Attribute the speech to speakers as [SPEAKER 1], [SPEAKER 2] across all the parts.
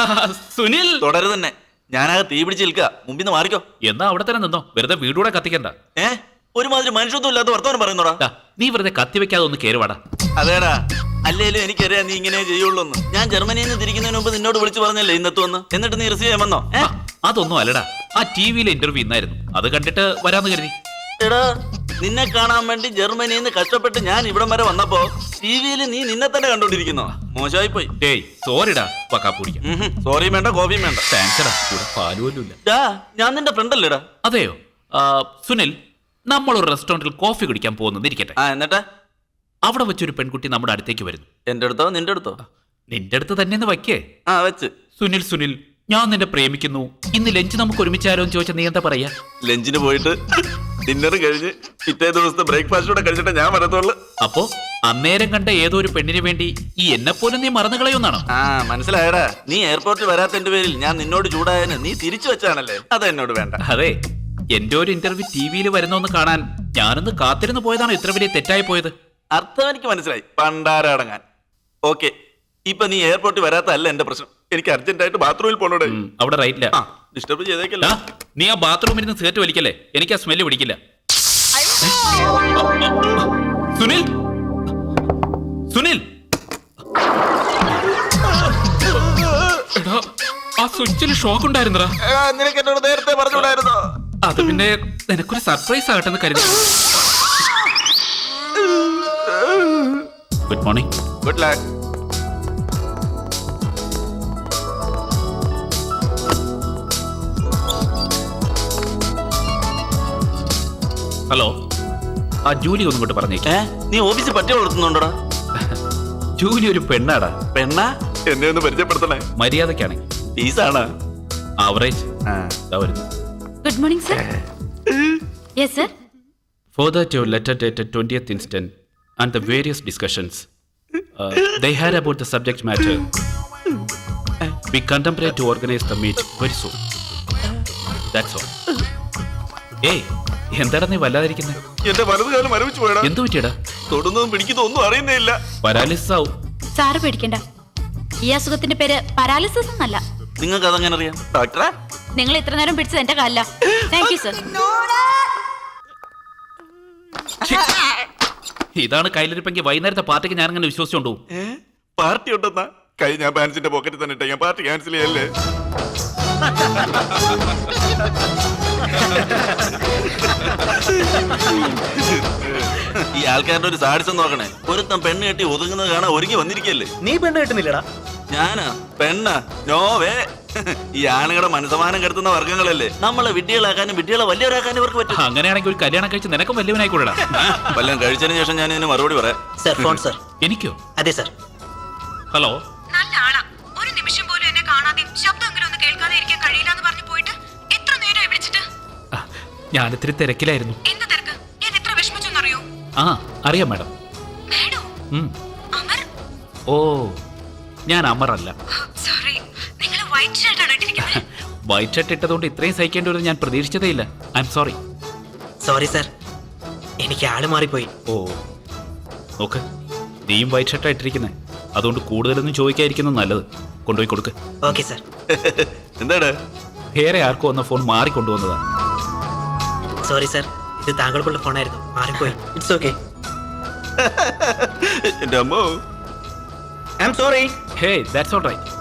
[SPEAKER 1] സുനിൽ
[SPEAKER 2] തുടരുത് തന്നെ. ഞാനാകെ തീ പിടിച്ച് നിൽക്കുക, മുമ്പിന്ന് മാറിക്കോ.
[SPEAKER 1] എന്നാ അവിടെ തന്നെ നിന്നോ, വെറുതെ വീടൂടെ കത്തിക്കണ്ട.
[SPEAKER 2] ഒരുമാതിരി മനുഷ്യത്വം ഇല്ലാത്ത വർത്തമാനം പറയുന്നോടാ.
[SPEAKER 1] നീ വെറുതെ കത്തി വെക്കാതെ ഒന്ന് കേറുവാടാ.
[SPEAKER 2] അതേടാ, അല്ലേലും എനിക്കറിയാം നീ ഇങ്ങനെ ചെയ്യുള്ളൂന്ന്. ഞാൻ ജർമ്മനിയിൽ നിന്ന് തിരിക്കുന്നതിന് മുമ്പ് നിന്നോട് വിളിച്ചു പറഞ്ഞല്ലേ ഇന്നത്തുവന്ന്. എന്നിട്ട് നീ റിസീവ് ചെയ്യാൻ വന്നോ?
[SPEAKER 1] അതൊന്നും അല്ലടാ, ആ ടിവിയിലെ ഇന്റർവ്യൂ ഇന്നായിരുന്നു, അത് കണ്ടിട്ട് വരാന്ന് കരുതി.
[SPEAKER 2] എടാ, നിന്നെ കാണാൻ വേണ്ടി ജർമ്മനിയിൽ നിന്ന് കഷ്ടപ്പെട്ട് ഞാൻ ഇവിടം വരെ വന്നപ്പോ ടിവിയിൽ നീ നിന്നെ തന്നെ കണ്ടോണ്ടിരിക്കുന്നോ? മോശമായി പോയി.
[SPEAKER 1] സോറിടാ, പക്കാപ്പൂടിക്കാം.
[SPEAKER 2] സോറിയും വേണ്ട, കോഫിയും വേണ്ട.
[SPEAKER 1] താങ്ക്സ്ടാ, കൂടെ പാലുപോലും ഇല്ല.
[SPEAKER 2] ഞാൻ നിന്റെ ഫ്രണ്ട് അല്ലേടാ.
[SPEAKER 1] അതെയോ? സുനിൽ, നമ്മളൊരു റെസ്റ്റോറന്റിൽ കോഫി കുടിക്കാൻ പോകുന്നിരിക്കട്ടെ.
[SPEAKER 2] എന്നിട്ട്
[SPEAKER 1] അവിടെ വെച്ചൊരു പെൺകുട്ടി നമ്മുടെ അടുത്തേക്ക് വരുന്നു.
[SPEAKER 2] എന്റെ അടുത്തോ നിന്റെ അടുത്തോ?
[SPEAKER 1] നിന്റെ അടുത്ത് തന്നെ വയ്ക്കേ.
[SPEAKER 2] വെച്ച്.
[SPEAKER 1] സുനിൽ, ഞാൻ നിന്നെ പ്രേമിക്കുന്നു, ഇന്ന് ലഞ്ച് നമുക്ക് ഒരുമിച്ചാലോ എന്ന് ചോദിച്ചാൽ നീ എന്താ പറയാ?
[SPEAKER 2] ലഞ്ചിന് പോയിട്ട് ഡിന്നർ കഴിഞ്ഞ് പിറ്റേ ദിവസത്തെ ബ്രേക്ക്ഫാസ്റ്റ് കൂടെ കഴിച്ചിട്ട് ഞാൻ വരത്തുള്ളൂ.
[SPEAKER 1] അപ്പോ അന്നേരം കണ്ട ഏതോ ഒരു പെണ്ണിന് വേണ്ടി ഈ എന്നെപ്പോലും നീ മറന്നു കളയുന്നാണോ?
[SPEAKER 2] മനസ്സിലായടാ. നീ എയർപോർട്ടിൽ വരാത്തതിന്റെ പേരിൽ ഞാൻ നിന്നോട് ചൂടായതിന് നീ തിരിച്ചു വെച്ചാണല്ലേ. അത് എന്നോട് വേണ്ട.
[SPEAKER 1] അതെ, എന്റെ ഒരു ഇന്റർവ്യൂ ടിവിയിൽ വരുന്നൊന്ന് കാണാൻ ഞാനൊന്ന് കാത്തിരുന്ന് പോയതാണോ ഇത്ര വലിയ തെറ്റായി പോയത്?
[SPEAKER 2] അർത്ഥം എനിക്ക് മനസ്സിലായി, പണ്ടാരടങ്ങാൻ. ഓക്കെ, ഇപ്പൊ നീ എയർപോർട്ടിൽ വരാത്തല്ല എന്റെ പ്രശ്നം. എനിക്ക് അർജന്റ് ആയിട്ട് ബാത്റൂമിൽ പോണോടെ.
[SPEAKER 1] അവിടെ റൈറ്റില്ല.
[SPEAKER 2] ഡിസ്റ്റർബ് ചെയ്തേക്കല്ല.
[SPEAKER 1] നീ ആ ബാത്റൂമിൽ നിന്ന് സിഗരറ്റ് വലിക്കല്ലേ, എനിക്ക് ആ സ്മെല്ല് പിടിക്കില്ല. സുനിൽ, ആ സ്വിച്ചിൽ ഷോക്ക് ഉണ്ടായിരുന്നടാ.
[SPEAKER 2] നിനക്ക് എന്നോട് നേരത്തെ പറഞ്ഞുകൂടായിരുന്നോ?
[SPEAKER 1] അത് പിന്നെ നിനക്കൊരു സർപ്രൈസ് ആകട്ടെ എന്ന് കരുതി. Good morning.
[SPEAKER 2] Good luck.
[SPEAKER 1] Hello, ആ ജൂലി ഒന്നും കൊണ്ട് പറഞ്ഞേക്കേ.
[SPEAKER 2] നീ ഓഫീസിൽ പറ്റി വളർത്തുന്നുണ്ടോടാ?
[SPEAKER 1] ജൂലി ഒരു പെണ്ണാടാ.
[SPEAKER 2] പെണ്ണാ? എന്നെ ഒന്ന് പരിചയപ്പെടുത്തണേ.
[SPEAKER 1] മര്യാദക്കാണെങ്കിൽ.
[SPEAKER 2] ഫീസാണ്
[SPEAKER 1] average.
[SPEAKER 3] Good morning, sir. Yes, sir.
[SPEAKER 1] Further to letter dated 20th instant and the various discussions they had about the subject matter, we contemplate to organize the meet very soon. That's all. Hey, എന്താടാ നീ വല്ലാതിരിക്കുന്നത്?
[SPEAKER 2] എന്റെ വലതുകാലം മരവിച്ചു പോയടാ.
[SPEAKER 1] എന്തു പറ്റിയടാ?
[SPEAKER 2] തൊടുന്നതും പിടിക്കുന്നതും ഒന്നും അറിയുന്നേ ഇല്ല.
[SPEAKER 1] പരാലിസിസ് ആവും.
[SPEAKER 3] സാറ് പേടിക്കണ്ട, ഈ അസുഖത്തിന്റെ പേര് പരാലിസിസ് എന്നല്ല.
[SPEAKER 2] നിങ്ങൾക്ക് അതെങ്ങനെ അറിയാം ഡോക്ടറെ?
[SPEAKER 3] നിങ്ങൾ ഇത്ര നേരം പിടിച്ചത് എന്റെ കാലില. Thank you sir.
[SPEAKER 1] ഇതാണ് കയ്യിലിരിപ്പെങ്കിൽ വൈകുന്നേരത്തെ പാർട്ടിക്ക് ഞാൻ അങ്ങനെ വിശ്വസിച്ചോണ്ടു.
[SPEAKER 2] പാർട്ടി ഉണ്ടെന്നാ? കൈ ഞാൻ പാൻസിന്റെ പോക്കറ്റിൽ തന്നെ ഇട്ടേ. ഞാൻ പാർട്ടി ക്യാൻസൽ ചെയ്യല്ലേ? ഈ ആൾക്കാരുടെ ഒരു സാഡിസം നോക്കണേ. ഒരുത്തം പെണ്ണ് കെട്ടി ഒതുങ്ങുന്നത് കാണാൻ ഒരുങ്ങി വന്നിരിക്കല്ലേ.
[SPEAKER 4] നീ പെണ്ണ് കെട്ടുന്നില്ലടാ?
[SPEAKER 2] ഞാനാ പെണ്ണ? നോവേ. ഈ ആണുങ്ങളുടെ മനസ്സമാനം കെടുത്തുന്ന വർഗ്ഗങ്ങളല്ലേ. നമ്മളെ വിഡ്ഢികളാക്കാനും വിഡ്ഢികളെ വലിയവരാക്കാനും ഇവർക്ക് പറ്റും.
[SPEAKER 1] അങ്ങനെയാണെങ്കിൽ ഒരു കല്യാണം കഴിച്ച് നിനക്കും വലിയവനായിക്കൂടാ.
[SPEAKER 2] വല്ലതും കഴിച്ചതിന് ശേഷം ഞാൻ ഇതിന് മറുപടി പറയാം.
[SPEAKER 4] Sir, phone sir.
[SPEAKER 1] എനിക്കോ?
[SPEAKER 4] അതെ സർ.
[SPEAKER 1] ഹലോ.
[SPEAKER 5] നല്ല ആളാ. ഒരു നിമിഷം പോലും എന്നെ കാണാതെ ശബ്ദമെങ്കിലും ഒന്ന് കേൾക്കാതെ ഇരിക്കാൻ കഴിയില്ലെന്ന് പറഞ്ഞു പോയിട്ട് എത്ര നേരമായി വിളിച്ചിട്ട്?
[SPEAKER 1] ഞാനിത്തിരി തിരക്കിലായിരുന്നു.
[SPEAKER 5] എന്ത് തിരക്ക്? ഞാൻ എത്ര വിഷമിച്ചെന്നറിയോ?
[SPEAKER 1] അറിയാം മാഡം.
[SPEAKER 5] മാഡം? അമർ?
[SPEAKER 1] ഓ, ഞാൻ അമറല്ല.
[SPEAKER 5] സോറി, നിങ്ങൾ വൈറ്റ് ഷർട്ട് ആണ് ഇട്ടിരിക്കുന്നത്.
[SPEAKER 1] വൈറ്റ് ഷർട്ട് ഇട്ടതുകൊണ്ട് ഇത്രയും സഹിക്കേണ്ടി വരും ഞാൻ പ്രതീക്ഷിച്ചതേ ഇല്ല. I am sorry.
[SPEAKER 4] Sorry sir, എനിക്ക് ആള് മാറിപ്പോയി.
[SPEAKER 1] ഓ, നോക്ക്, നീയും വൈറ്റ് ഷർട്ടാണ് ഇട്ടിരിക്കുന്നത്, അതുകൊണ്ട് കൂടുതലൊന്നും ചോദിക്കാതിരിക്കുന്നത് നല്ലത്. കൊണ്ടുപോയി കൊടുക്ക്.
[SPEAKER 4] Okay sir.
[SPEAKER 2] എന്താണ്?
[SPEAKER 1] വേറെ ആർക്കും വന്ന ഫോൺ മാറിക്കൊണ്ടുവന്നതാ.
[SPEAKER 4] സോറി സർ, ഇത് താങ്കൾക്കുള്ള ഫോണായിരുന്നു, മാറിപ്പോയി. It's okay.
[SPEAKER 2] എന്റെ അമ്മോ,
[SPEAKER 4] I am sorry.
[SPEAKER 1] Hey, that's all right.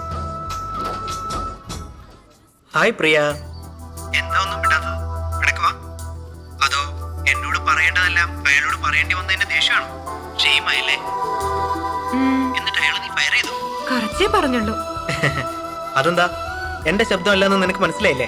[SPEAKER 4] Hi Priya. എന്താ ഒന്നും വിടാത്തത്? എടുക്കുവാ? അതോ എന്നോട് പറയേണ്ടതെല്ലാം അയാളോട് പറയേണ്ടി വന്നതിന്റെ ദേഷ്യമാണോ? ഷെയിമായില്ലേ? എന്നിട്ട് അയാൾ നീ ഫയർ ചെയ്തു?
[SPEAKER 5] കുറച്ചേ പറഞ്ഞുള്ളൂ.
[SPEAKER 4] അതെന്താ? എന്റെ ശബ്ദമല്ലെന്ന് നിനക്ക് മനസ്സിലായില്ലേ?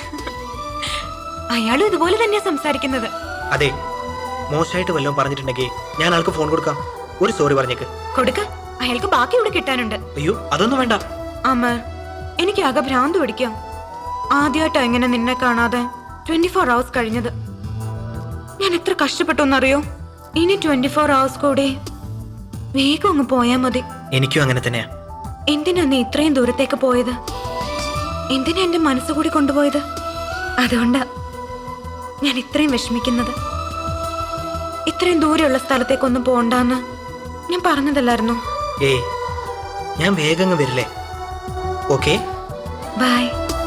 [SPEAKER 5] അയാളും ഇതുപോലെ തന്നെയാ സംസാരിക്കുന്നത്.
[SPEAKER 4] അതെ, മോശമായിട്ട് വല്ലതും പറഞ്ഞിട്ടുണ്ടെങ്കിൽ ഞാൻ ആൾക്ക് ഫോൺ കൊടുക്കാം. ഒരു സോറി പറഞ്ഞേക്ക്.
[SPEAKER 5] കൊടുക്ക, അയാൾക്ക് ബാക്കി ഇവിടെ കിട്ടാനുണ്ട്.
[SPEAKER 4] അയ്യോ, അതൊന്നും വേണ്ട.
[SPEAKER 5] അമർ, എനിക്ക് ആകെ ഭ്രാന്ത് പിടിക്കാം. ആദ്യമായിട്ടാ ഇങ്ങനെ നിന്നെ കാണാതെ 24 hours കഴിഞ്ഞത്. ഞാൻ എത്ര കഷ്ടപ്പെട്ടോന്നറിയോ? ഇനി 24 hours കൂടെ വേഗം അങ്ങ് പോയാ മതി.
[SPEAKER 4] എനിക്കും അങ്ങനെ തന്നെയാ.
[SPEAKER 5] എന്തിനാ നീ ഇത്രയും ദൂരത്തേക്ക് പോയത്? എന്തിനാ എന്റെ മനസ്സുകൂടി കൊണ്ടുപോയത്? അതുകൊണ്ടാ ഞാൻ ഇത്രയും വിഷമിക്കുന്നത്. ഇത്രയും ദൂരെയുള്ള സ്ഥലത്തേക്കൊന്നും പോണ്ടാന്ന് ഞാൻ പറഞ്ഞതല്ലായിരുന്നു?
[SPEAKER 4] ഏയ്, ഞാൻ വേഗം വരില്ലേ? Okay,
[SPEAKER 5] bye.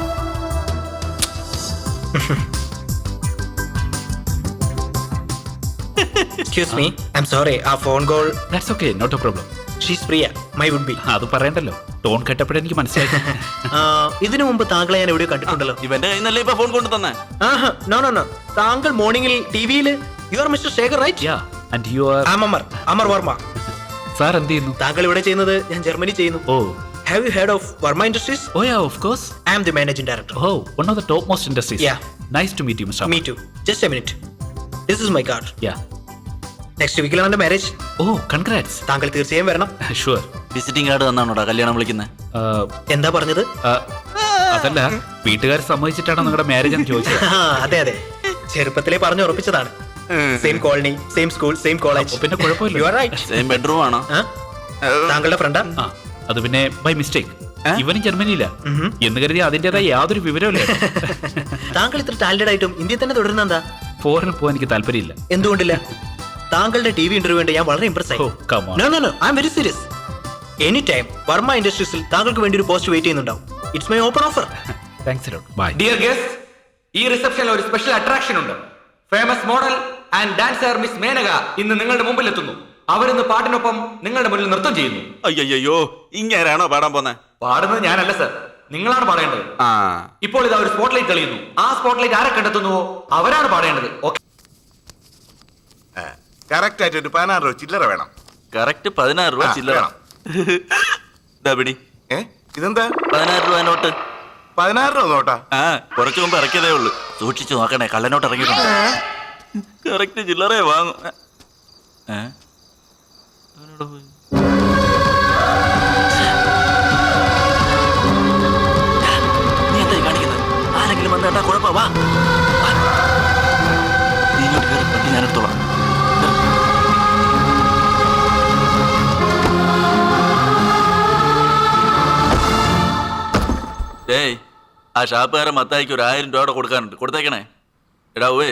[SPEAKER 4] Excuse me, I am sorry, ആ phone call.
[SPEAKER 1] That's okay, not a problem.
[SPEAKER 4] She's Priya, my would be.
[SPEAKER 1] അത് പറയണ്ടല്ലോ, ടോൺ കേട്ടപ്പോഴേ എനിക്ക് മനസ്സിലായി.
[SPEAKER 4] ഇതിനു മുമ്പ് താങ്കളെ ഞാൻ എവിടെയോ കണ്ടിട്ടുണ്ടല്ലോ.
[SPEAKER 2] ഇവന്റെ കയ്യിൽ നിന്നല്ലേ ഇപ്പൊ ഫോൺ കൊണ്ടു തന്നെ.
[SPEAKER 4] നോ നോ നോ, താങ്കൾ മോർണിംഗിൽ ടിവിയിൽ you are Mr Shekhar right?
[SPEAKER 1] Yeah, and you are?
[SPEAKER 4] Amar Varma.
[SPEAKER 1] Sir എന്ത് ചെയ്യുന്നു?
[SPEAKER 4] താങ്കൾ ഇവിടെ ചെയ്യുന്നത് ഞാൻ ജർമ്മനി ചെയ്യുന്നു.
[SPEAKER 1] Oh,
[SPEAKER 4] have you heard of Varma industries?
[SPEAKER 1] Oh yeah, of course.
[SPEAKER 4] I am the managing director.
[SPEAKER 1] Oh, one of the topmost industries.
[SPEAKER 4] Yeah.
[SPEAKER 1] Nice to meet you, Mr.
[SPEAKER 4] Me too. Just a minute, this is my card.
[SPEAKER 1] Yeah.
[SPEAKER 4] Next വീക്കിലാണ് എന്റെ marriage.
[SPEAKER 1] Oh, congrats.
[SPEAKER 4] താങ്കൾ തീർച്ചയായും വരണം.
[SPEAKER 1] Sure.
[SPEAKER 2] Visiting card തന്നാണോടാ കല്യാണം വിളിക്കുന്നത്?
[SPEAKER 4] എന്താ പറഞ്ഞത്?
[SPEAKER 1] അതല്ല, വീട്ടുകാർ സമ്മതിച്ചിട്ടാണോ നിങ്ങളുടെ മാരേജ് എന്ന് ചോദിച്ചത്?
[SPEAKER 4] അതെ അതെ, ചെറുപ്പത്തിലേ പറഞ്ഞു ഉറപ്പിച്ചതാണ്. Same colony, same school, same college.
[SPEAKER 1] പിന്നെ കുഴപ്പമില്ല.
[SPEAKER 4] You are right.
[SPEAKER 2] Same bedroom ആണോ?
[SPEAKER 4] താങ്കളുടെ ഫ്രണ്ടാ?
[SPEAKER 1] ആ, അത് പിന്നെ ബൈ മിസ്റ്റേക്ക്. ഇവനും ജർമ്മനിയില്ല എന്ന് കരുതി അതിൻ്റെതായ യാതൊരു വിവരമില്ല.
[SPEAKER 4] താങ്കൾ ഇത്ര ടാലന്റഡ് ആയിട്ടും ഇന്ത്യയിൽ തന്നെ തുടരുന്ന എന്താ?
[SPEAKER 1] ഫോറിനിൽ പോകാൻ എനിക്ക് താല്പര്യമില്ല.
[SPEAKER 4] എന്തുകൊണ്ടില്ല? താങ്കളുടെ ടി വി ഇന്റർവ്യൂ ഉണ്ട്, ഞാൻ വളരെ ഇംപ്രസ് ആയി.
[SPEAKER 1] Oh, come on.
[SPEAKER 4] No no no, I am very serious. Any time Varma ഇൻഡസ്ട്രീസിൽ താങ്കൾക്ക് വേണ്ടി ഒരു പോസ്റ്റ് വെയിറ്റ് ചെയ്യുന്നുണ്ടാവും. It's my open offer.
[SPEAKER 1] Thanks lot. Bye.
[SPEAKER 6] Dear guest, ഈ റിസപ്ഷനിൽ ഒരു സ്പെഷ്യൽ അട്രാക്ഷൻ ഉണ്ട്. Famous model and dancer Miss Menaka ഇന്ന് നിങ്ങളുടെ മുമ്പിൽ എത്തുന്നു. അവരിന്ന് പാട്ടിനൊപ്പം നിങ്ങളുടെ മുന്നിൽ നൃത്തം ചെയ്യുന്നു.
[SPEAKER 2] അയ്യോ, ഇങ്ങനാണോ പാടാൻ പോന്നെ?
[SPEAKER 6] പാടുന്നത് ഞാനല്ല സർ, നിങ്ങളാണ് പാടേണ്ടത്.
[SPEAKER 2] ആ,
[SPEAKER 6] ഇപ്പോൾ ഇതാ ഒരു സ്പോട്ട്ലൈറ്റ് തെളിയുന്നു. ആ സ്പോട്ട്ലൈറ്റ് ആരെ കണ്ടെത്തുന്നുവോ അവരാണ് പാടേണ്ടത്. ഓക്കെ,
[SPEAKER 7] കറക്റ്റ് ആയിട്ട് ഒരു 16 രൂപ ചില്ലറ വേണം.
[SPEAKER 2] കറക്റ്റ് 16 രൂപ ചില്ലറ.
[SPEAKER 7] വേണം.
[SPEAKER 2] ഇതാ പിടി.
[SPEAKER 7] ഇതെന്താ?
[SPEAKER 2] 16 രൂപ നോട്ട്.
[SPEAKER 7] 16 രൂപ നോട്ടാ?
[SPEAKER 2] ആ, കുറച്ചു മുമ്പ് ഇറക്കിയതേ ഉള്ളൂ. സൂക്ഷിച്ചു നോക്കണേ, കള്ളനോട്ട് ഇറങ്ങിയിട്ടുണ്ട്. കറക്റ്റ് ചില്ലറേ വാങ്ങും. നീ എന്തായി കാണിക്കുന്നത്? ആരെങ്കിലും വന്ന് കേട്ടാ കുഴപ്പ. വാ, നീ ഇങ്ങോട്ട് കയറി, പറ്റി ഞാൻ എടുത്തോളാം. ഏയ്, ആ ഷാപ്പുകാരൻ മത്തായിക്ക് ഒരു 1000 രൂപ കൊടുക്കാനുണ്ട്, കൊടുത്തേക്കണേ. എടാ ഓവേ,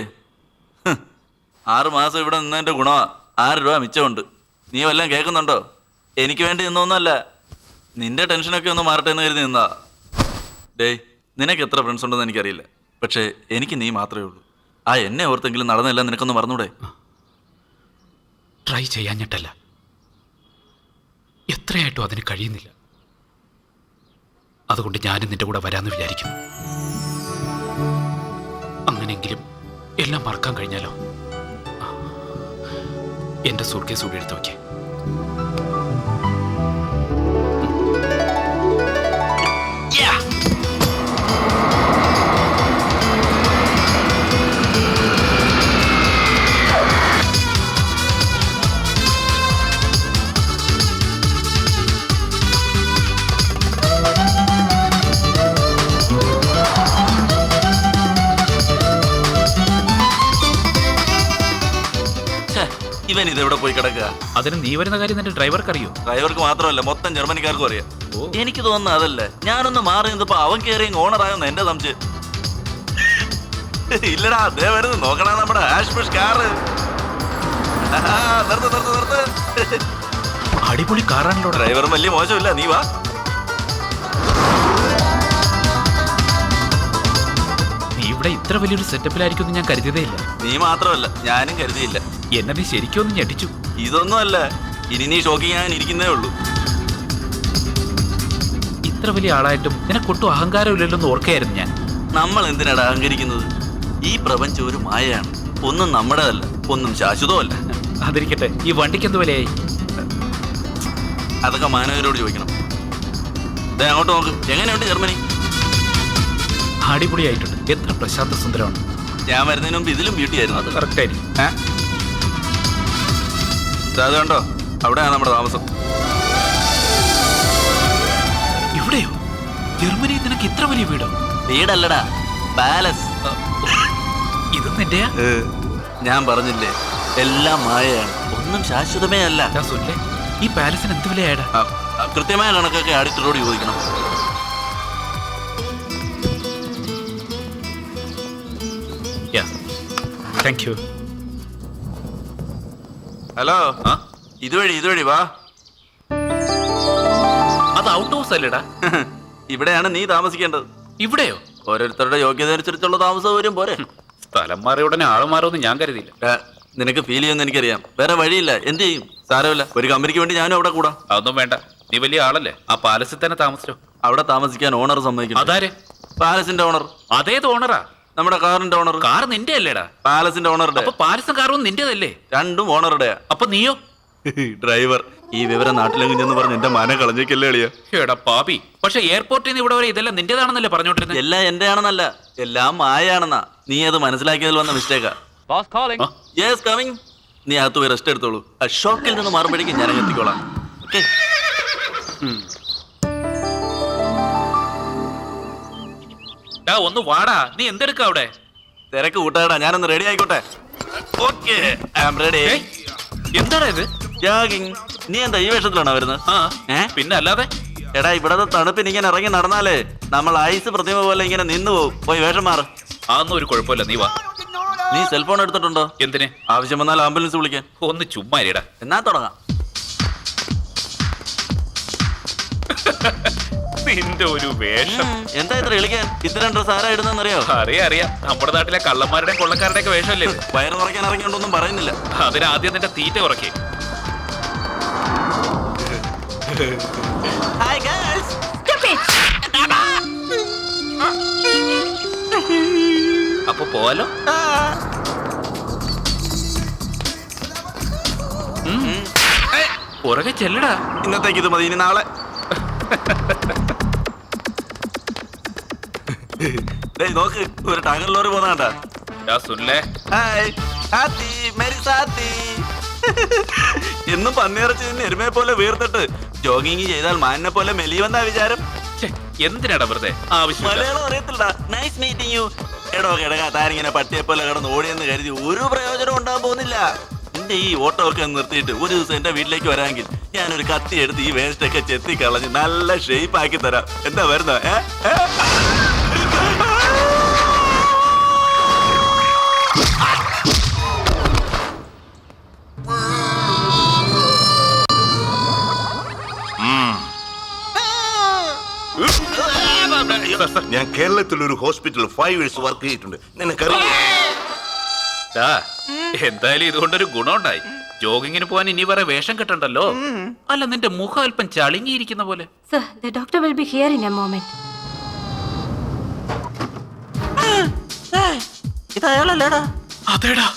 [SPEAKER 2] 6 മാസം ഇവിടെ നിന്നതിൻ്റെ ഗുണമാ. 6 രൂപ മിച്ചമുണ്ട്. നീ വല്ലതും കേൾക്കുന്നുണ്ടോ? എനിക്ക് വേണ്ടി നിന്നൊന്നുമല്ല, നിന്റെ ടെൻഷനൊക്കെ ഒന്ന് മാറട്ടെ എന്ന് കരുതി നിന്നാ. ഡേയ്, നിനക്ക് എത്ര ഫ്രണ്ട്സ് ഉണ്ടെന്ന് എനിക്കറിയില്ല, പക്ഷേ എനിക്ക് നീ മാത്രമേ ഉള്ളൂ. ആ എന്നെ ഓർത്തെങ്കിലും നടന്നില്ല, നിനക്കൊന്ന് മറന്നൂടെ?
[SPEAKER 1] ട്രൈ ചെയ്യാഞ്ഞിട്ടല്ല, എത്രയായിട്ടും അതിന് കഴിയുന്നില്ല. അതുകൊണ്ട് ഞാനും നിന്റെ കൂടെ വരാമെന്ന് വിചാരിക്കുന്നു. അങ്ങനെയെങ്കിലും എല്ലാം മറക്കാൻ കഴിഞ്ഞാലോ. എന്റെ സൂട്ട്കേസ് കൂടി എടുത്ത് വയ്ക്കേ.
[SPEAKER 2] ഇവൻ ഇതെവിടെ പോയി കിടക്കുക?
[SPEAKER 1] അതിന് നീ വരുന്ന കാര്യം നിന്റെ ഡ്രൈവർക്ക് അറിയോ?
[SPEAKER 2] ഡ്രൈവർക്ക് മാത്രമല്ല, മൊത്തം ജർമ്മനിക്കാർക്കും അറിയാം. എനിക്ക് തോന്നുന്നത് അതല്ല, ഞാനൊന്ന് മാറി നിന്നപ്പോ അവൻ കയറി ഓണറായെന്ന് എന്റെ സംശയം. ഇല്ലടാ, അതേ വരുന്നു, നോക്കണ നമ്മുടെ ആഷ്മിഷ് കാറ്.
[SPEAKER 1] അടിപൊളി കാറാണല്ലോ.
[SPEAKER 2] ഡ്രൈവറും വലിയ മോശമില്ല, നീ വാ.
[SPEAKER 1] നീ ഇവിടെ ഇത്ര വലിയൊരു സെറ്റപ്പിലായിരിക്കും ഞാൻ കരുതിയതേ ഇല്ല.
[SPEAKER 2] നീ മാത്രമല്ല, ഞാനും കരുതിയില്ല.
[SPEAKER 1] എന്നെ നീ ശരിക്കും ഒന്ന് ഞെട്ടിച്ചു.
[SPEAKER 2] ഇതൊന്നും അല്ല, ഇനി നീ ഷോക്കിങ് ഞാൻ ഇരിക്കുന്നേ ഉള്ളൂ.
[SPEAKER 1] ഇത്ര വലിയ ആളായിട്ടും നിനക്കൊട്ടും അഹങ്കാരമില്ലല്ലോ ഓർക്കുകയായിരുന്നു ഞാൻ.
[SPEAKER 2] നമ്മൾ എന്തിനാണ് അഹങ്കരിക്കുന്നത്? ഈ പ്രപഞ്ചം ഒരു മായയാണ്. ഒന്നും നമ്മുടെതല്ല, ഒന്നും ശാശ്വതമല്ല.
[SPEAKER 1] അതിരിക്കട്ടെ, ഈ വണ്ടിക്ക് എന്ത് വിലയായി?
[SPEAKER 2] അതൊക്കെ മാനവരോട് ചോദിക്കണം. ദേ അങ്ങോട്ട് നോക്ക്, എങ്ങനെയുണ്ട് ജർമ്മനി?
[SPEAKER 1] അടിപൊളിയായിട്ടുണ്ട്. എത്ര പ്രശാന്ത സുന്ദരമാണ്.
[SPEAKER 2] ഞാൻ വരുന്നതിന് മുമ്പ് ഇതിലും ബ്യൂട്ടി ആയിരുന്നു.
[SPEAKER 1] അത് കറക്റ്റ് ആയിരിക്കും.
[SPEAKER 2] അത് കണ്ടോ, അവിടെയാണ് നമ്മുടെ താമസം.
[SPEAKER 1] ഇവിടെയോ? ജർമ്മനിയിൽ നിനക്ക് ഇത്ര വലിയ വീടോ?
[SPEAKER 2] വീടല്ലടാ, പാലസ്.
[SPEAKER 1] ഇത് നിന്റെയാ?
[SPEAKER 2] ഞാൻ പറഞ്ഞില്ലേ, എല്ലാം മായയാണ്, ഒന്നും ശാശ്വതമേ അല്ല.
[SPEAKER 1] സുല്ലേ, ഈ പാലസിന് എന്ത് വിലയാടാ?
[SPEAKER 2] കൃത്യമായ കണക്കൊക്കെ ആഡിറ്ററോട് ചോദിക്കണം.
[SPEAKER 1] Thank you.
[SPEAKER 2] ഹലോ, ഇതുവഴി വാ.
[SPEAKER 1] അത് ഔട്ട് ഹൗസ് അല്ലേടാ?
[SPEAKER 2] ഇവിടെയാണ് നീ താമസിക്കേണ്ടത്.
[SPEAKER 1] ഇവിടെയോ?
[SPEAKER 2] ഓരോരുത്തരുടെ യോഗ്യത അനുസരിച്ചുള്ള താമസ സൗകര്യം പോരെ.
[SPEAKER 1] സ്ഥലം മാറിയ ഉടനെ ആള് മാറുമെന്ന് ഞാൻ കരുതിയില്ല.
[SPEAKER 2] നിനക്ക് ഫീൽ ചെയ്യുമെന്ന് എനിക്കറിയാം. വേറെ വഴിയില്ല. എന്ത് ചെയ്യും? സാരമില്ല, ഒരു കമ്പനിക്ക് വേണ്ടി ഞാനും അവിടെ കൂടാ.
[SPEAKER 1] അതൊന്നും വേണ്ട, നീ വലിയ ആളല്ലേ, ആ പാലസിൽ തന്നെ താമസിച്ചോ.
[SPEAKER 2] അവിടെ താമസിക്കാൻ ഓണർ സമ്മതിക്കും.
[SPEAKER 1] അതാരെ?
[SPEAKER 2] പാലസിന്റെ ഓണർ.
[SPEAKER 1] അതേത് ഓണറാ?
[SPEAKER 2] നമ്മുടെ കാറിന്റെ ഓണർ.
[SPEAKER 1] കാർ നിന്റെ അല്ലേടാ?
[SPEAKER 2] പാലസിന്റെ ഓണറുടെ.
[SPEAKER 1] അപ്പൊ പാലസും കാറും നിന്റേതല്ലേ?
[SPEAKER 2] രണ്ടും ഓണറുടെയാ.
[SPEAKER 1] അപ്പൊ നീയോ?
[SPEAKER 2] ഡ്രൈവർ. ഈ വിവരം നാട്ടിലെങ്കിലും ചെന്ന് പറഞ്ഞ് എന്റെ മാന കളഞ്ഞേക്കല്ലേ എളിയ.
[SPEAKER 1] എടാ പാപി, പക്ഷെ എയർപോർട്ടിൽ നിന്ന് ഇവിടെ വരെ ഇതെല്ലാം നിന്റേതാണെന്നല്ലേ പറഞ്ഞോണ്ടിരുന്നത്?
[SPEAKER 2] എല്ലാം എന്റെ ആണെന്നല്ല, എല്ലാം മായാണെന്നാ. നീ അത് മനസ്സിലാക്കിയതിൽ വന്ന മിസ്റ്റേക്കാ. Yes coming. നീ അകത്ത് പോയി റെസ്റ്റ് എടുത്തോളൂ. ആ ഷോക്കിൽ നിന്ന് മാറുമ്പോഴേക്കും ഞാൻ എത്തിക്കോളാം. ഓക്കെ.
[SPEAKER 1] ഒന്ന് വാടാ, നീ എന്തെടുക്ക അവിടെ?
[SPEAKER 2] തിരക്ക് കൂട്ടാടാ, ഞാനൊന്ന് റെഡി ആയിക്കോട്ടെ. Okay, I am ready.
[SPEAKER 1] എന്താടാ ഇത്?
[SPEAKER 2] ജോഗിങ്. നീ എന്താ ഈ വേഷത്തിലാണോ വരുന്നത്?
[SPEAKER 1] പിന്നെ അല്ലാതെ.
[SPEAKER 2] എടാ, ഇവിടത്തെ തണുപ്പിന് ഇങ്ങനെ ഇറങ്ങി നടന്നാലേ നമ്മൾ ഐസ് പ്രതിമ പോലെ ഇങ്ങനെ നിന്ന് പോകും. പോയി വേഷം മാറ്.
[SPEAKER 1] അതൊന്നും ഒരു കുഴപ്പമില്ല, നീ വാ.
[SPEAKER 2] നീ സെൽഫോൺ എടുത്തിട്ടുണ്ടോ?
[SPEAKER 1] എന്തിന്?
[SPEAKER 2] ആവശ്യം വന്നാൽ ആംബുലൻസ് വിളിക്കാൻ.
[SPEAKER 1] ഒന്ന് ചുമ്മാ ഇരിടാ.
[SPEAKER 2] എന്നാ തുടങ്ങാം.
[SPEAKER 1] നിന്റെ ഒരു വേഷം.
[SPEAKER 2] എന്താ ഇത്ര വിളിക്കാൻ? ഇത്തരം ഡ്രസ് ആരാ ഇടുന്നറിയോ?
[SPEAKER 1] അറിയാം, നമ്മുടെ നാട്ടിലെ കള്ളന്മാരുടെയും കൊള്ളക്കാരുടെയൊക്കെ വേഷമല്ലേ?
[SPEAKER 2] വയറ് നിറയ്ക്കാൻ ഇറങ്ങിയോണ്ടൊന്നും പറയുന്നില്ല.
[SPEAKER 1] അതിനാദ്യം നിന്റെ തീറ്റ കുറയ്ക്കേ.
[SPEAKER 2] Hi girls.
[SPEAKER 1] അപ്പൊ പോവാലോ? പുറകെ ചെല്ലടാ.
[SPEAKER 2] ഇന്നത്തേക്ക് ഇത് മതി, ഇനി നാളെ. നോക്ക്, ഒരു ടാങ്കർ ലോറി പോന്നാണ്ടാ. എന്നും പന്നിയിറച്ചി നിന്ന് എരുമയെ പോലെ വീർത്തിട്ട് ജോഗിങ് ചെയ്താൽ മാനിനെ പോലെ മെലിയുമെന്നാ വിചാരം.
[SPEAKER 1] എന്തിനാടാ വെറുതെ ആവശ്യം?
[SPEAKER 2] മലയാളം അറിയത്തില്ല. Nice meeting you. എടോ കിടക്കാ, താനിങ്ങനെ പട്ടിയെ പോലെ കിടന്ന് ഓടിയെന്ന് കരുതി ഒരു പ്രയോജനം ഉണ്ടാകാൻ പോകുന്നില്ല. എന്റെ ഈ ഓട്ടോ ഒക്കെ നിർത്തിയിട്ട് ഒരു ദിവസം എന്റെ വീട്ടിലേക്ക് വരാമെങ്കിൽ ഞാനൊരു കത്തി എടുത്ത് ഈ വേസ്റ്റ് ഒക്കെ ചെത്തി കളഞ്ഞ് നല്ല ഷേപ്പ് ആക്കി തരാം. എന്താ വരുന്ന?
[SPEAKER 7] ഞാൻ കേരളത്തിൽ ഒരു ഹോസ്പിറ്റലിൽ 5 years വർക്ക് ചെയ്തിട്ടുണ്ട്. നിനക്കറിയാം.
[SPEAKER 1] എന്തായാലും ഇതുകൊണ്ടൊരു ഗുണമുണ്ടായി. ജോഗിങ്ങിന് പോവാൻ ഇനി വേറെ വേഷം കെട്ടണ്ടല്ലോ. അല്ല, നിന്റെ മുഖം അല്പം ചളിങ്ങിയിരിക്കുന്ന പോലെ.
[SPEAKER 3] Sir, the doctor will be here in a moment.
[SPEAKER 2] ഇതയാളല്ലേടാ?
[SPEAKER 1] അതേടാ.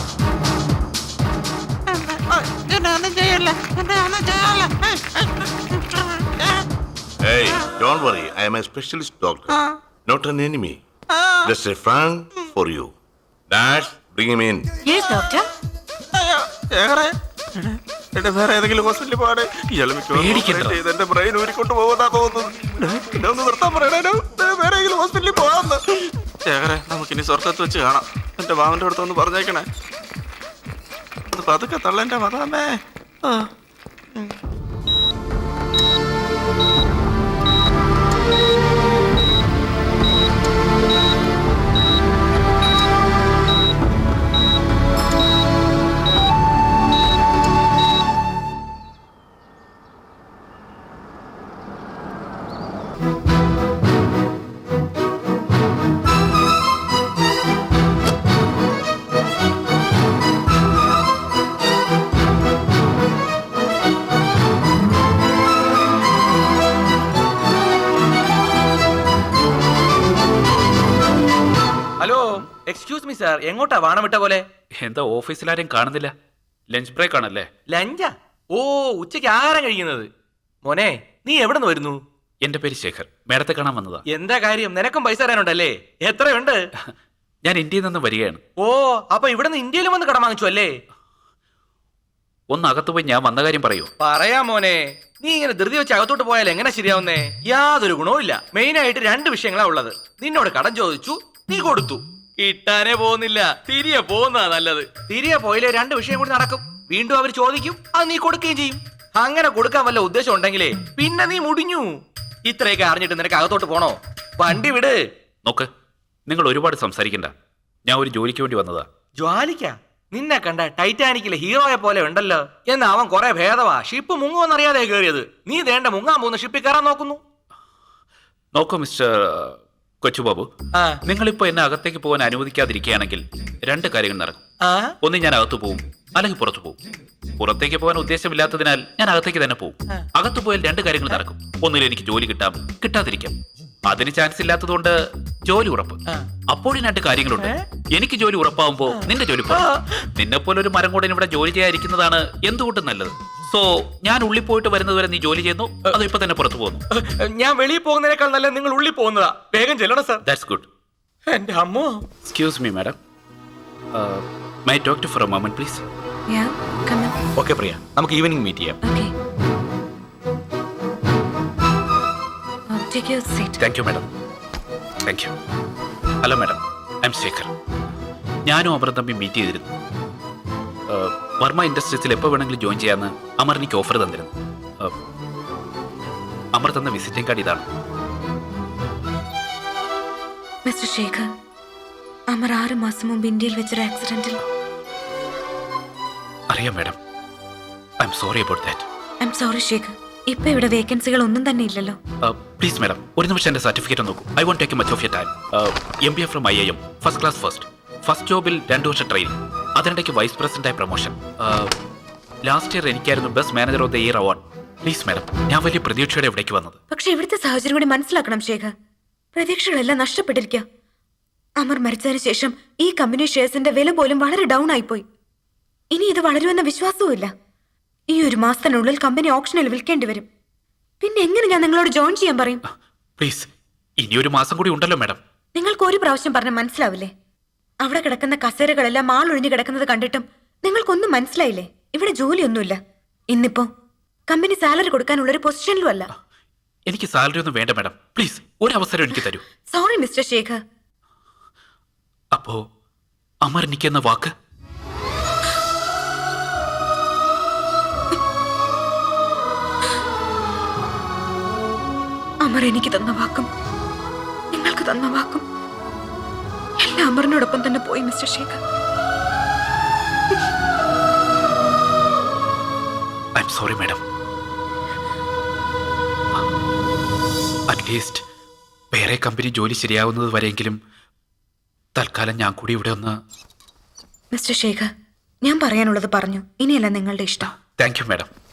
[SPEAKER 7] Hey, don't worry. I am a specialist doctor, not an enemy. Just a friend for you. Dash, bring him in.
[SPEAKER 3] Yes, doctor.
[SPEAKER 2] വേറെ ഏതെങ്കിലും ഹോസ്പിറ്റലിൽ പോകാതെ എന്റെ brain ഊരിക്കൊണ്ട് പോകുന്നാ തോന്നുന്നു. ഒന്ന് നിർത്താൻ പറയണോ? വേറെ ഏതെങ്കിലും ഹോസ്പിറ്റലിൽ പോകാമെന്ന്. ശേഖരെ, നമുക്കിനി സ്വർഗത്ത് വെച്ച് കാണാം. എന്റെ മാമന്റെ അടുത്തൊന്ന് പറഞ്ഞേക്കണേ. അത് പതുക്കെ തള്ളെന്റെ മതാമേ.
[SPEAKER 6] എക്സ്ക്യൂസ് മീ സാർ, എങ്ങോട്ടാ വാണം വിട്ട പോലെ?
[SPEAKER 1] എന്താ ഓഫീസിലാരും കാണുന്നില്ല? ലഞ്ച് ബ്രേക്ക് ആണല്ലേ?
[SPEAKER 6] ലഞ്ചാ? ഓ, ഉച്ചയ്ക്ക് ആഹാരം കഴിക്കുന്നത്. മോനെ, നീ എവിടെ നിന്ന് വരുന്നു?
[SPEAKER 1] എന്റെ പേര് ശേഖർ, മേഡത്തെ കാണാൻ വന്നതാ.
[SPEAKER 6] എന്താ കാര്യം? നിനക്കും പൈസ തരാനുണ്ടല്ലേ? എത്രയുണ്ട്?
[SPEAKER 1] ഞാൻ ഇന്ത്യയിൽ നിന്ന് വരികയാണ്.
[SPEAKER 6] ഓ, അപ്പൊ ഇവിടെ നിന്ന് ഇന്ത്യയിലും വന്ന് കടം വാങ്ങിച്ചു അല്ലേ?
[SPEAKER 1] ഒന്ന് അകത്ത് പോയി ഞാൻ വന്ന കാര്യം പറയൂ.
[SPEAKER 6] പറയാ മോനെ, നീ ഇങ്ങനെ ധൃതി വെച്ച് അകത്തോട്ട് പോയാൽ എങ്ങനെ ശരിയാവുന്നേ? യാതൊരു ഗുണവും ഇല്ല. മെയിൻ ആയിട്ട് 2 വിഷയങ്ങളാ ഉള്ളത്. നിന്നോട് കടം ചോദിച്ചു, നീ കൊടുത്തു. കിട്ടാനേ പോകുന്നില്ല. തിരികെ പോകുന്നതാ നല്ലത്. തിരികെ പോയില്ലേ 2 വിഷയം കൂടി നടക്കും. വീണ്ടും അവർ ചോദിക്കും, അത് നീ കൊടുക്കുകയും ചെയ്യും. അങ്ങനെ കൊടുക്കാൻ വല്ല ഉദ്ദേശം ഉണ്ടെങ്കിലേ പിന്നെ നീ മുടിഞ്ഞു. ഇത്രയൊക്കെ അറിഞ്ഞിട്ട് നിനക്ക് അകത്തോട്ട് പോണോ? വണ്ടി വിട്.
[SPEAKER 1] നോക്ക്, നിങ്ങൾ ഒരുപാട് സംസാരിക്കണ്ട. ഞാൻ ഒരു ജോലിക്ക് വേണ്ടി വന്നതാ.
[SPEAKER 6] ജ്വാലിക്ക? നിന്നെ കണ്ട ടൈറ്റാനിക്കിലെ ഹീറോയെ പോലെ ഉണ്ടല്ലോ. എന്നാ അവൻ കുറെ ഭേദവാ. ഷിപ്പ് മുങ്ങുമെന്നറിയാതെ കയറിയത്. നീ ദേണ്ട മുങ്ങാൻ പോകുന്ന ഷിപ്പിൽ കയറാൻ നോക്കുന്നു.
[SPEAKER 1] നോക്കൂ മിസ്റ്റർ കൊച്ചുബാബു,
[SPEAKER 6] ആ
[SPEAKER 1] നിങ്ങളിപ്പോ എന്നെ അകത്തേക്ക് പോകാൻ അനുവദിക്കാതിരിക്കുകയാണെങ്കിൽ രണ്ട് കാര്യങ്ങൾ നടക്കും.
[SPEAKER 6] ആ
[SPEAKER 1] ഒന്ന്, ഞാൻ അകത്ത് പോവും, അല്ലെങ്കിൽ പുറത്തു പോവും. പുറത്തേക്ക് പോകാൻ ഉദ്ദേശമില്ലാത്തതിനാൽ ഞാൻ അകത്തേക്ക് തന്നെ പോവും. അകത്ത് പോയാൽ രണ്ട് കാര്യങ്ങൾ നടക്കും. ഒന്നിൽ എനിക്ക് ജോലി കിട്ടാം, കിട്ടാതിരിക്കാം. അതിന് ചാൻസ് ഇല്ലാത്തതുകൊണ്ട് ജോലി ഉറപ്പ്. അപ്പോഴും രണ്ട് കാര്യങ്ങളുണ്ട്. എനിക്ക് ജോലി ഉറപ്പാവുമ്പോ നിന്റെ ജോലി കുറവ്. നിന്നെ പോലെ ഒരു മരം കൂടെ ഇവിടെ ജോലി ചെയ്യാതിരിക്കുന്നതാണ് എന്തുകൊണ്ടും നല്ലത്. സോ ഞാൻ ഉള്ളിൽ പോയിട്ട് വരുന്നത് വരെ നീ ജോലി ചെയ്യുന്നു, അതോ ഇപ്പൊ തന്നെ പുറത്തു പോകുന്നു?
[SPEAKER 6] ഞാൻ വെളിയിൽ പോകുന്നതിനേക്കാൾ നല്ല നിങ്ങൾ ഉള്ളിൽ പോകുന്നതാ. വേഗം ചെല്ലണം സാർ.
[SPEAKER 1] That's good.
[SPEAKER 6] എന്റെ അമ്മോ.
[SPEAKER 1] Excuse me madam, my talk to for a moment please.
[SPEAKER 5] Yeah, come in.
[SPEAKER 6] Okay Priya, നമുക്ക് ഈവനിങ് മീറ്റ് ചെയ്യാം.
[SPEAKER 5] Okay. Take your seat.
[SPEAKER 1] Thank you madam. Thank you. Hello madam, I am Shekhar. ഞാനും അമറും തമ്മിൽ meet ചെയ്തിരുന്നു. വർമ്മ ഇൻഡസ്ട്രീസിൽ എപ്പോൾ വേണമെങ്കിലും ജോയിൻ ചെയ്യാമെന്ന് അമർ എനിക്ക് ഓഫർ തന്നിരുന്നു. അമർ തന്ന വിസിറ്റിംഗ് കാർഡ് ഇതാണ്.
[SPEAKER 5] മിസ്റ്റർ ശേഖർ, അമർ 6 മാസം മുമ്പ് ഇന്ത്യയിൽ വെച്ചൊരു ആക്സിഡന്റിൽ.
[SPEAKER 1] അറിയാം മാഡം. I am sorry about that.
[SPEAKER 5] I am sorry Shekhar. ഇപ്പൊ ഇവിടെ വേക്കൻസികൾ ഒന്നും തന്നെ ഇല്ലല്ലോ.
[SPEAKER 1] പ്ലീസ് മാഡം, ഒരു നിമിഷം എൻ്റെ സർട്ടിഫിക്കറ്റ് നോക്കൂ. I won't take much of your time. MBA from IIM, first class first ജോബിൽ 2 വർഷം ട്രെയിനിങ്, അതിനിടയ്ക്ക് വൈസ് പ്രസിഡന്റായി പ്രൊമോഷൻ. ലാസ്റ്റ് ഇയർ എനിക്കായിരുന്നു best manager of the year award. Please madam, ഞാൻ വലിയ പ്രതീക്ഷയോടെ ഇവിടേക്ക് വന്നത്.
[SPEAKER 5] പക്ഷെ ഇവിടുത്തെ സാഹചര്യം കൂടി മനസ്സിലാക്കണം ശേഖർ. പ്രതീക്ഷകളെല്ലാം നഷ്ടപ്പെട്ടിരിക്കുക. അമർ മരിച്ചതിന് ശേഷം ഈ കമ്പനി ഷെയർസിന്റെ വില പോലും വളരെ ഡൗൺ ആയിപ്പോയി. ഇനി ഇത് വളരുമെന്ന വിശ്വാസവും ഇല്ല. ഈ 1 മാസത്തിനുള്ളിൽ കമ്പനി ഓപ്ഷനിൽ വിൽക്കേണ്ടി വരും. പിന്നെ എങ്ങനെ ഞാൻ നിങ്ങളോട് ജോയിൻ ചെയ്യാൻ പറയും?
[SPEAKER 1] പ്ലീസ്, ഇനി 1 മാസം കൂടി ഉണ്ടല്ലോ മാഡം.
[SPEAKER 5] നിങ്ങൾക്ക് ഒരു പ്രാവശ്യം പറഞ്ഞാൽ മനസ്സിലാവില്ലേ? അവിടെ കിടക്കുന്ന കസേരകളെല്ലാം ആളൊഴിഞ്ഞു കിടക്കുന്നത് കണ്ടിട്ടും നിങ്ങൾക്കൊന്നും മനസ്സിലായില്ലേ? ഇവിടെ ജോലിയൊന്നുമില്ല. ഇന്നിപ്പോ കമ്പനി സാലറി കൊടുക്കാനുള്ള ഒരു പൊസിഷനിലും അല്ല.
[SPEAKER 1] എനിക്ക് സാലറി ഒന്നും വേണ്ട മാഡം. പ്ലീസ്, ഒരു അവസരം എനിക്ക് തരൂ.
[SPEAKER 5] Sorry Mr Shekhar.
[SPEAKER 1] അപ്പോ അമർ എനിക്കെന്ന വാക്ക്?
[SPEAKER 5] അമർ എനിക്ക് തന്ന വാക്കും നിങ്ങൾക്ക് തന്ന വാക്കും എല്ലാം അമറിനോടൊപ്പം തന്നെ പോയി Mr Shekhar.
[SPEAKER 1] I am sorry madam. At least വേറെ കമ്പനി ജോലി ശരിയാവുന്നത് വരെയെങ്കിലും തൽക്കാലം ഞാൻ കൂടി ഇവിടെ ഒന്ന്.
[SPEAKER 5] മിസ്റ്റർ ശേഖർ, ഞാൻ പറയാനുള്ളത് പറഞ്ഞു. ഇനിയല്ല നിങ്ങളുടെ ഇഷ്ടം.
[SPEAKER 1] Thank you madam.